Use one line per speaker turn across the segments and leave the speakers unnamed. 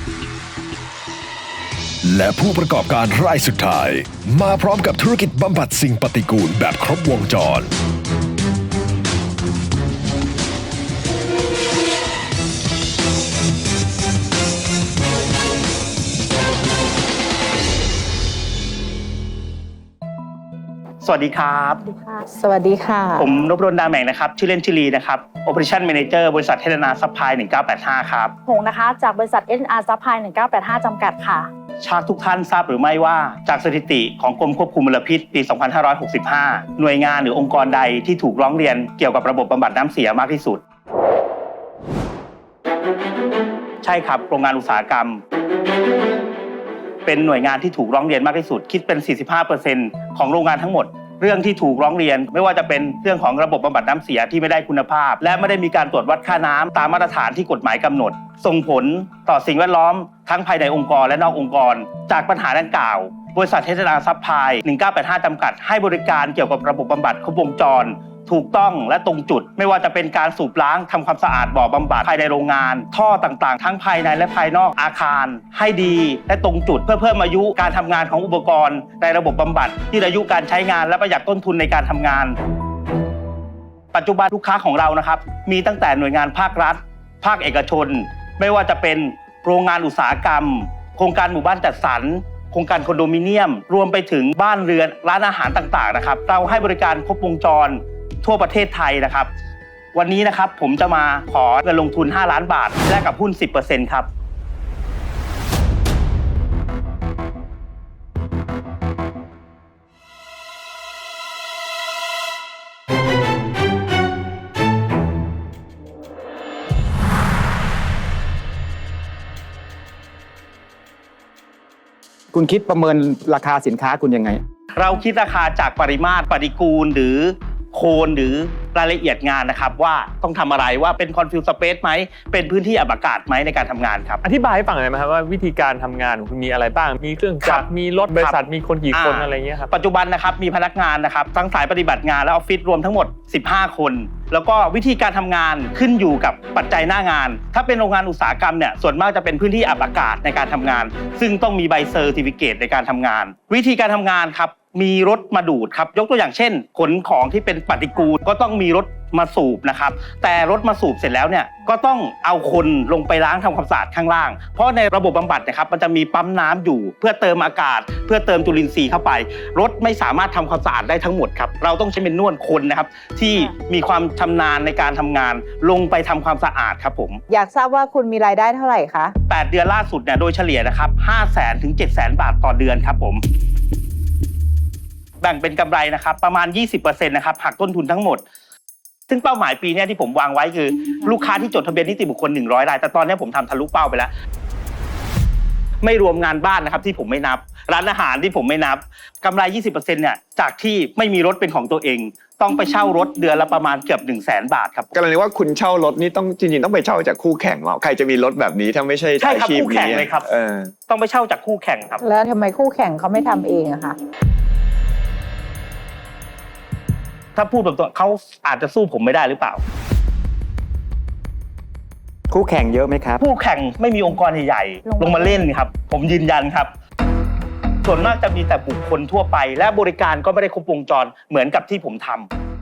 และผู้ประกอบการรายสุดท้ายมาพร้อมกับธุรกิจบำบัดสิ่งปฏิกูลแบบครบวงจร
สวัสดีครับ
สวัสดีค่ะ
ผมนพดลดาแมงนะครับชื่อเล่นชื่อลีนะครับ Operation Manager บริษัทเทเลนาซัพพลาย1985ครับ
หงนะคะจากบริษัท SNR Supply 1985จำกัดค่ะ
ชาติทุกท่านทราบหรือไม่ว่าจากสถิติของกรมควบคุมมลพิษปี 2565 หน่วยงานหรือองค์กรใดที่ถูกร้องเรียนเกี่ยวกับระบบบำบัดน้ำเสียมากที่สุดใช่ครับโรงงานอุตสาหกรรมเป็นหน่วยงานที่ถูกร้องเรียนมากที่สุดคิดเป็น 45% ของโรงงานทั้งหมดเรื่องที่ถูกร้องเรียนไม่ว่าจะเป็นเรื่องของระบบบำบัดน้ำเสียที่ไม่ได้คุณภาพและไม่ได้มีการตรวจวัดค่าน้ำตามมาตรฐานที่กฎหมายกำหนดส่งผลต่อสิ่งแวดล้อมทั้งภายในองค์กรและนอกองค์กรจากปัญหาดังกล่าวบริษัทเทสลาซัพพลาย1985จำกัดให้บริการเกี่ยวกับระบบบำบัดครบวงจรถูกต้องและตรงจุดไม่ว่าจะเป็นการสูบล้างทำความสะอาดบ่อบำบัดภายในโรงงานท่อต่างๆทั้งภายในและภายนอกอาคารให้ดีและตรงจุดเพื่อเพิ่มอายุการทำงานของอุปกรณ์ในระบบบำบัดที่อายุการใช้งานและประหยัดต้นทุนในการทำงานปัจจุบันลูกค้าของเรานะครับมีตั้งแต่หน่วยงานภาครัฐภาคเอกชนไม่ว่าจะเป็นโรงงานอุตสาหกรรมโครงการหมู่บ้านจัดสรรโครงการคอนโดมิเนียมรวมไปถึงบ้านเรือนร้านอาหารต่างๆนะครับเราให้บริการครบวงจรทั่วประเทศไทยนะครับวันนี้นะครับผมจะมาขอเงินลงทุน5 ล้านบาทแลกกับหุ้น 10% ครับ
คุณคิดประเมินราคาสินค้าคุณยังไง
เราคิดราคาจากปริมาตรปฏิกูลหรือโคนหรือรายละเอียดงานนะครับว่าต้องทำอะไรว่าเป็นคอนฟิวสเปซไหมเป็นพื้นที่อับอากาศไหมในการทำงานครับ
อธิบายให้ฟังหน่อยไหมครับว่าวิธีการทำงานของคุณมีอะไรบ้างมีเครื่องจักรมีรถบริษัทมีคนกี่คนอะไรเงี้ยครับ
ปัจจุบันนะครับมีพนักงานนะครับทั้งสายปฏิบัติงานและออฟฟิศรวมทั้งหมด15 คนแล้วก็วิธีการทำงานขึ้นอยู่กับปัจจัยหน้างานถ้าเป็นโรงงานอุตสาหกรรมเนี่ยส่วนมากจะเป็นพื้นที่อับอากาศในการทำงานซึ่งต้องมีใบเซอร์ติฟิเคตในการทำงานวิธีการทำงานครับมีรถมาดูดครับยกตัวอย่างเช่นขนของที่เป็นปฏิกูลก็ต้องมีรถมาสูบนะครับแต่รถมาสูบเสร็จแล้วเนี่ยก็ต้องเอาคนลงไปล้างทำความสะอาดข้างล่างเพราะในระบบบำบัดนะครับมันจะมีปั๊มน้ำอยู่เพื่อเติมอากาศเพื่อเติมจุลินทรีย์เข้าไปรถไม่สามารถทำความสะอาดได้ทั้งหมดครับเราต้องใช้เป็นนวดคนนะครับที่มีความชำนาญในการทำงานลงไปทำความสะอาดครับผม
อยากทราบว่าคุณมีรายได้เท่าไหร่คะ
8 เดือนล่าสุดเนี่ยโดยเฉลี่ยนะครับ 500,000 ถึง 700,000 บาทต่อเดือนครับผมแบ่งเป็นกำไรนะครับประมาณ 20% นะครับหักต้นทุนทั้งหมดซึ่งเป้าหมายปีนี้ที่ผมวางไว้คือลูกค้าที่จดทะเบียนนิติบุคคล100 รายแต่ตอนนี้ผมทำทะลุเป้าไปแล้วไม่รวมงานบ้านนะครับที่ผมไม่นับร้านอาหารที่ผมไม่นับกำไร 20% เนี่ยจากที่ไม่มีรถเป็นของตัวเองต้องไปเช่ารถเดือนละประมาณเกือบ 100,000 บาทครับ
กรณีว่าคุณเช่ารถนี่ต้องจริงๆต้องไปเช่าจากคู่แข่งใครจะมีรถแบบนี้ถ้าไม่ใช่
อาชีพนี้คู่แข่งเลยครับต้องไปเช่าจากคู่แข่งครับ
แล้วทำไมคู่แข่งเขาไม่ทำเองอะคะ
ถ้าพูดแบบตัวเขาอาจจะสู้ผมไม่ได้หรือเปล่า
คู่แข่งเยอะไหมครับ
คู่แข่งไม่มีองค์กรใหญ่ๆลงมาเล่นครับผมยืนยันครับส่วนมากจะมีแต่บุคคลทั่วไปและบริการก็ไม่ได้ครบวงจรเหมือนกับที่ผมท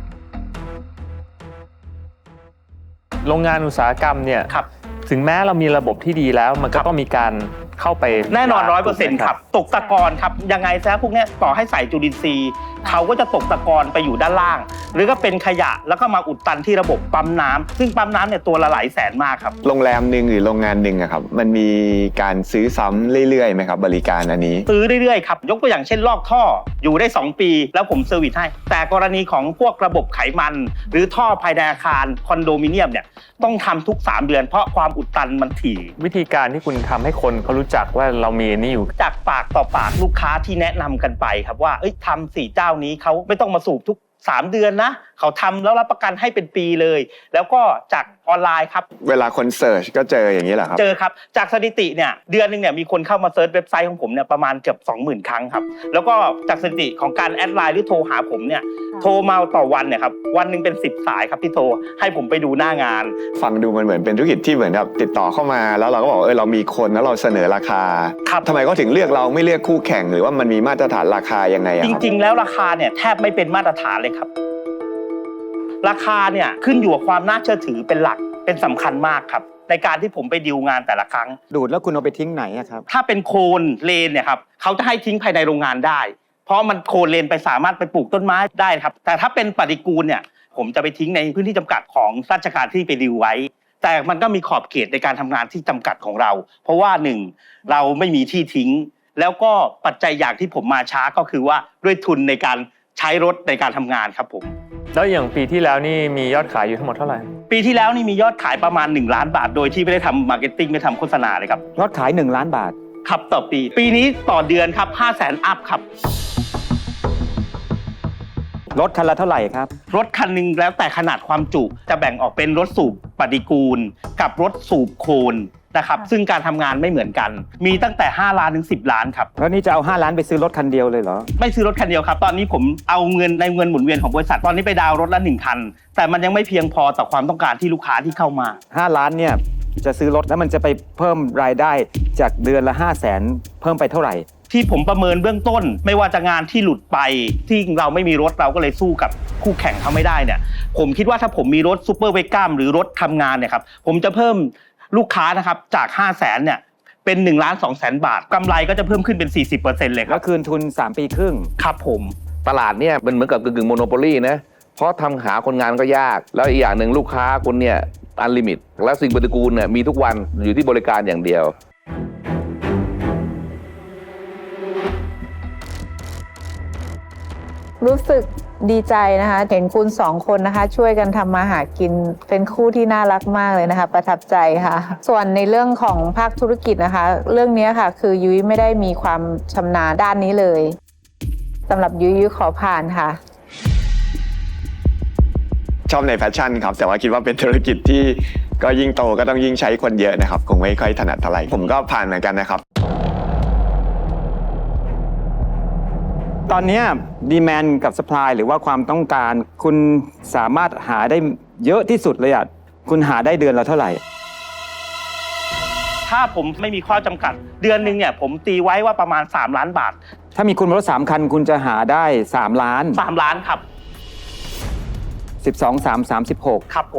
ำโรงงานอุตสาหกรรมเนี่ยถึงแม้เรามีระบบที่ดีแล้วมันก็ต้องมีการเข้าไป
แน่นอน 100% ครับตกตะกอนครับยังไงซะพวกนี้ต่อให้ใส่จุลินทรีย์เขาก็จะตกตะกอนไปอยู่ด้านล่างหรือก็เป็นขยะแล้วก็มาอุดตันที่ระบบปั๊มน้ำซึ่งปั๊มน้ำเนี่ยตัวละหลายแสนมากครับ
โรงแรมหนึ่งหรือโรงงานหนึ่งครับมันมีการซื้อซ้ำเรื่อยๆไหมครับบริการอันนี้
ซื้อเรื่อยๆครับยกตัวอย่างเช่นลอกท่ออยู่ได้2 ปีแล้วผมเซอร์วิสให้แต่กรณีของพวกระบบไขมันหรือท่อภายในอาคารคอนโดมิเนียมเนี่ยต้องทำทุก3 เดือนเพราะความอุดตันมันถี่
วิธีการที่คุณทำให้คนเขารู้จักว่าเรามีนี่อยู่
จากปากต่อปากลูกค้าที่แนะนำกันไปครับว่าทำ4 เจ้านี้เขาไม่ต้องมาสูบทุก3 เดือนนะเขาทำแล้วรับประกันให้เป็นปีเลยแล้วก็จากออนไลน์ครับ
เวลาคนเสิร์ชก็เจออย่างนี้เหรอครับ
เจอครับจากสถิติเนี่ยเดือนนึงเนี่ยมีคนเข้ามาเซิร์ชเว็บไซต์ของผมเนี่ยประมาณเกือบ 20,000 ครั้งครับแล้วก็จากสถิติของการแอดไลน์หรือโทรหาผมเนี่ยโทรมาต่อวันเนี่ยครับวันหนึ่งเป็น10 สายครับที่โทรให้ผมไปดูหน้างาน
ฟังดูมันเหมือนเป็นธุรกิจที่เหมือนแบบติดต่อเข้ามาแล้วเราก็บอกเรามีคนแล้วเราเสนอราคา
ครับ
ทำไมเขาถึงเลือกเราไม่เลือกคู่แข่งหรือว่ามันมีมาตรฐานราคายังไงอะ
จ
ครับ
ริงๆแล้วราคาเนี่ยแทบไม่เป็นมาตรฐานเลยครับราคาเนี่ยขึ้นอยู่กับความน่าเชื่อถือเป็นหลักเป็นสำคัญมากครับในการที่ผมไปดีลงานแต่ละครั้ง
ดูดแล้วคุณเอาไปทิ้งไหนอะครับ
ถ้าเป็นโคนเลนเนี่ยครับเขาจะให้ทิ้งภายในโรงงานได้เพราะมันโคนเลนไปสามารถไปปลูกต้นไม้ได้ครับแต่ถ้าเป็นปฏิกูลเนี่ยผมจะไปทิ้งในพื้นที่จำกัดของราชการที่ไปดีลไว้แต่มันก็มีขอบเขตในการทำงานที่จำกัดของเราเพราะว่า1เราไม่มีที่ทิ้งแล้วก็ปัจจัยอย่างที่ผมมาช้าก็คือว่าด้วยทุนในการใช้รถในการทำงานครับผม
แล้วอย่างปีที่แล้วนี่มียอดขายอยู่ทั้งหมดเท่าไหร่
ปีที่แล้วนี่มียอดขายประมาณ1 ล้านบาทโดยที่ไม่ได้ทำมาร์เก็ตติ้งไม่ทำโฆษณาเลยครับ
ยอดขาย1 ล้านบาท
ครับต่อปีปีนี้ต่อเดือนครับ 500,000 อัพครับ
รถคันละเท่าไหร่ครับ
รถคันหนึงแล้วแต่ขนาดความจุจะแบ่งออกเป็นรถสูบปฏิกูลกับรถสูบโคลนนะครับซึ่งการทำงานไม่เหมือนกันมีตั้งแต่5 ล้านถึง10 ล้านครับ
แล้วนี่จะเอา5 ล้านไปซื้อรถคันเดียวเลยเหรอ
ไม่ซื้อรถคันเดียวครับตอนนี้ผมเอาเงินในเงินหมุนเวียนของบริษัทตอนนี้ไปดาวน์รถละ1 คันแต่มันยังไม่เพียงพอต่อความต้องการที่ลูกค้าที่เข้ามา
5 ล้านเนี่ยจะซื้อรถแล้วมันจะไปเพิ่มรายได้จากเดือนละ 500,000 เพิ่มไปเท่าไหร่
ที่ผมประเมินเบื้องต้นไม่ว่าจะงานที่หลุดไปที่เราไม่มีรถเราก็เลยสู้กับคู่แข่งเขาไม่ได้เนี่ยผมคิดว่าถ้าผมมีรถซูเปอร์เวก้าหรือรถทำงานเนี่ยครับผมจะเพิ่มลูกค้านะครับจาก 500,000 เนี่ยเป็น1,200,000 บาทกำไรก็จะเพิ่มขึ้นเป็น 40% เลยค
แล้
รับ
วคืนทุน3 ปีครึ่ง
ครับผม
ตลาดเนี่ยมันเหมือนกับกึ่งโมโนโปลีนะเพราะทำหาคนงานก็ยากแล้วอีกอย่างหนึ่งลูกค้าคุณเนี่ยอันลิมิตและสิ่งปฏิกูลเนี่ยมีทุกวันอยู่ที่บริการอย่างเดียว
รู้สึกดีใจนะคะเห็นคุณ2 คนนะคะช่วยกันทำมาหากินเป็นคู่ที่น่ารักมากเลยนะคะประทับใจค่ะส่วนในเรื่องของภาคธุรกิจนะคะเรื่องนี้ค่ะคือยุ้ยไม่ได้มีความชำนาญด้านนี้เลยสำหรับยุ้ยขอผ่านค่ะ
ชอบในแฟชั่นครับแต่ว่าคิดว่าเป็นธุรกิจที่ก็ยิ่งโตก็ต้องยิ่งใช้คนเยอะนะครับคงไม่ค่อยถนัดเท่าไหร่ผมก็ผ่านเหมือนกันนะครับ
ตอนเนี้ดีแมนกับ supply หรือว่าความต้องการคุณสามารถหาได้เยอะที่สุดเลยอ่ะคุณหาได้เดือนละเท่าไหร่
ถ้าผมไม่มีข้อจำกัดเดือนหนึงเนี่ยผมตีไว้ว่าประมาณ3 ล้านบาท
ถ้ามีคุณรถ3 คันคุณจะหาได้3 ล้าน
3 ล้านครับ
12 3 36
ครับผม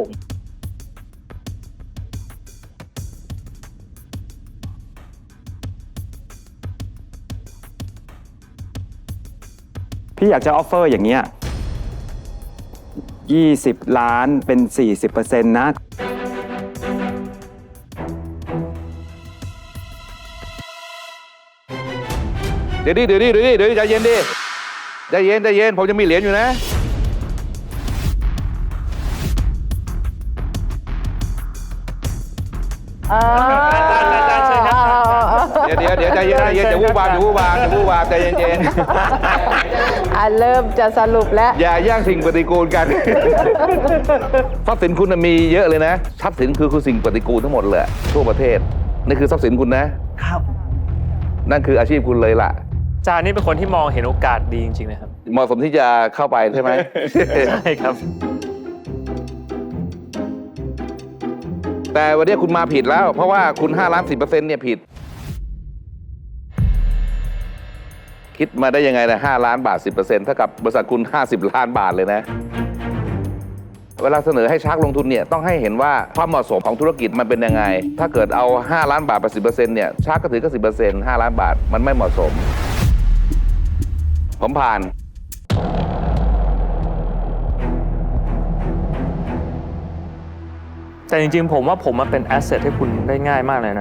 พี่อยากจะออฟเฟอร์อย่างเงี้ย20 ล้านเป็น 40% นะ
เดี๋ยวใจเย็นดิใจเย็นผมจะมีเหรียญอยู่นะ เดี๋ยวใจเย็นอย่าวู่วามใจเย็น
เริ่มจะสรุปแล้ว
อย่าแย่งสิ่งปฏิกูลกัน ทรัพย์สินคุณมีเยอะเลยนะทรัพย์สินคือสิ่งปฏิกูลทั้งหมดเลยทั่วประเทศนี่คือทรัพย์สินคุณนะครับนั่นคืออาชีพคุณเลยล่ะ
จานี่เป็นคนที่มองเห็นโอกาสดีจริงๆนะครับ
เหมาะสมที่จะเข้าไปใช่ไหม
ใช่ครับ
แต่วันนี้คุณมาผิดแล้ว เพราะว่าคุณ5 ล้าน 10% เนี่ยผิด คิดมาได้ยังไงนะ5 ล้านบาท 10% เท่ากับบริษัทคุณ50 ล้านบาทเลยนะ เวลาเสนอให้ชาร์กลงทุนเนี่ยต้องให้เห็นว่าความเหมาะสมของธุรกิจมันเป็นยังไง ถ้าเกิดเอา5 ล้านบาทไป 10% เนี่ยชาร์กก็ถือก็ 10% 5 ล้านบาทมันไม่เหมาะสม ผมผ่าน
แต่จริงๆผมว่าผมมาเป็นแอสเซทให้คุณได้ง่ายมากเลยนะ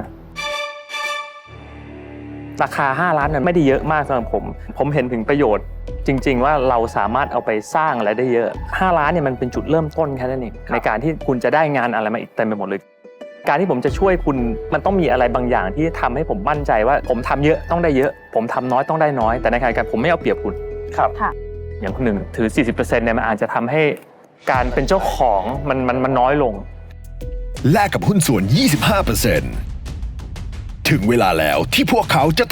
ราคา5 ล้านนั้นไม่ได้เยอะมากสำหรับผมเห็นถึงประโยชน์จริงๆว่าเราสามารถเอาไปสร้างอะไรได้เยอะ5 ล้านเนี่ยมันเป็นจุดเริ่มต้นแค่นั้นเองในการที่คุณจะได้งานอะไรมาอีกเต็มไปหมดเลยการที่ผมจะช่วยคุณมันต้องมีอะไรบางอย่างที่ทำให้ผมมั่นใจว่าผมทำเยอะต้องได้เยอะผมทำน้อยต้องได้น้อยแต่ในขณะเดียวกันผมไม่เอาเปรียบคุณ
ครับ
ค่ะ
อย่างคนหนึ่งถือ 40% เนี่ยมันอาจจะทำให้การเป็นเจ้าของมันน้อยลง
แลกกับหุ้นส่วน 25%ถึงเวลาแล้วที่พวกเขาจะ